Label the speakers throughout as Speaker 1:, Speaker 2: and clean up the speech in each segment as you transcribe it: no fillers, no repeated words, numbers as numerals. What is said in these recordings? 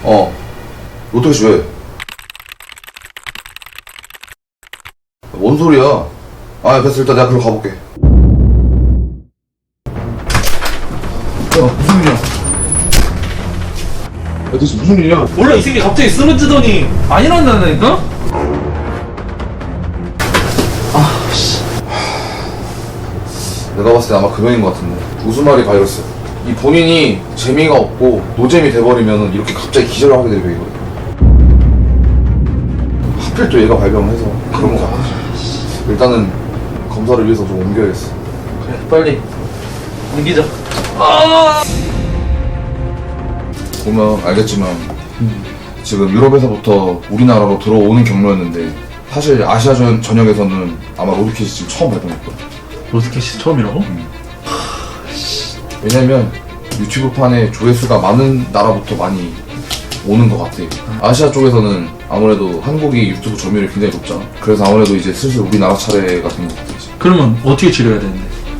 Speaker 1: 로또씨 왜? 뭔 소리야? 됐어. 일단 내가 글로 가볼게. 무슨 일이야? 대체 무슨 일이야?
Speaker 2: 몰라, 이 새끼 갑자기 쓰러지더니 안 일어난다니까?
Speaker 1: 내가 봤을 때 아마 금연인 것 같은데. 우스마리 바이러스. 이 본인이 재미가 없고 노잼이 돼버리면 이렇게 갑자기 기절을 하게 되고 이거든. 하필 또 얘가 발병을 해서 그런 거 같아. 일단은 검사를 위해서 좀 옮겨야겠어.
Speaker 2: 그래, 빨리 옮기자.
Speaker 1: 보면 알겠지만 지금 유럽에서부터 우리나라로 들어오는 경로였는데 사실 아시아 전역에서는 아마 로드캣이 지금 처음 발병할 거야.
Speaker 2: 로드캣이 처음이라고?
Speaker 1: 왜냐면 유튜브판에 조회수가 많은 나라부터 많이 오는 것 같아. 아시아 쪽에서는 아무래도 한국이 유튜브 점유율이 굉장히 높잖아. 그래서 아무래도 이제 슬슬 우리나라 차례가 된 것 같아. 이제.
Speaker 2: 그러면 어떻게 치료해야 되는데?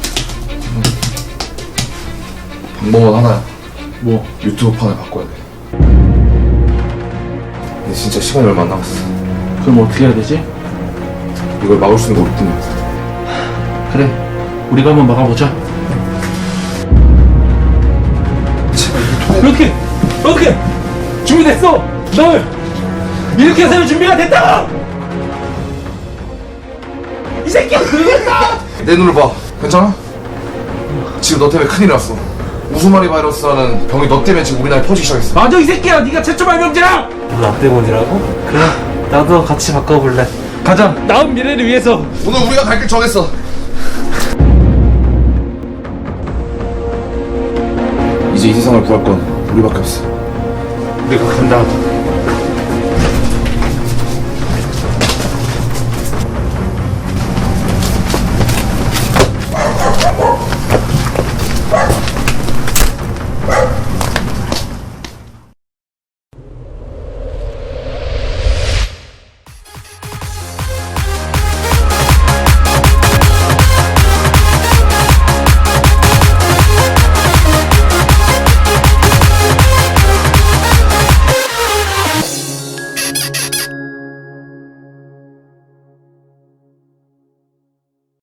Speaker 1: 방법은 하나야.
Speaker 2: 뭐?
Speaker 1: 유튜브판을 바꿔야 돼. 근데 진짜 시간이 얼마 안 남았어.
Speaker 2: 그럼 어떻게 해야 되지?
Speaker 1: 이걸 막을 수 있는 거 없든.
Speaker 2: 그래, 우리가 한번 막아보자. 이렇게 준비됐어. 널 이렇게 해서 준비가 됐다. 이 새끼야, 그러겠다.
Speaker 1: 내 눈을 봐. 괜찮아? 지금 너 때문에 큰일 났어. 우스마리 바이러스라는 병이 너 때문에 지금 우리나라에 퍼지기 시작했어.
Speaker 2: 맞아, 이 새끼야, 네가 최초 발명자야.
Speaker 3: 나 때문이라고? 그래, 나도 같이 바꿔볼래.
Speaker 2: 가자. 나은 미래를 위해서.
Speaker 1: 오늘 우리가 갈 길 정했어. 이제 이 세상을 구할 건 우리밖에 없어.
Speaker 2: 우리가 간다.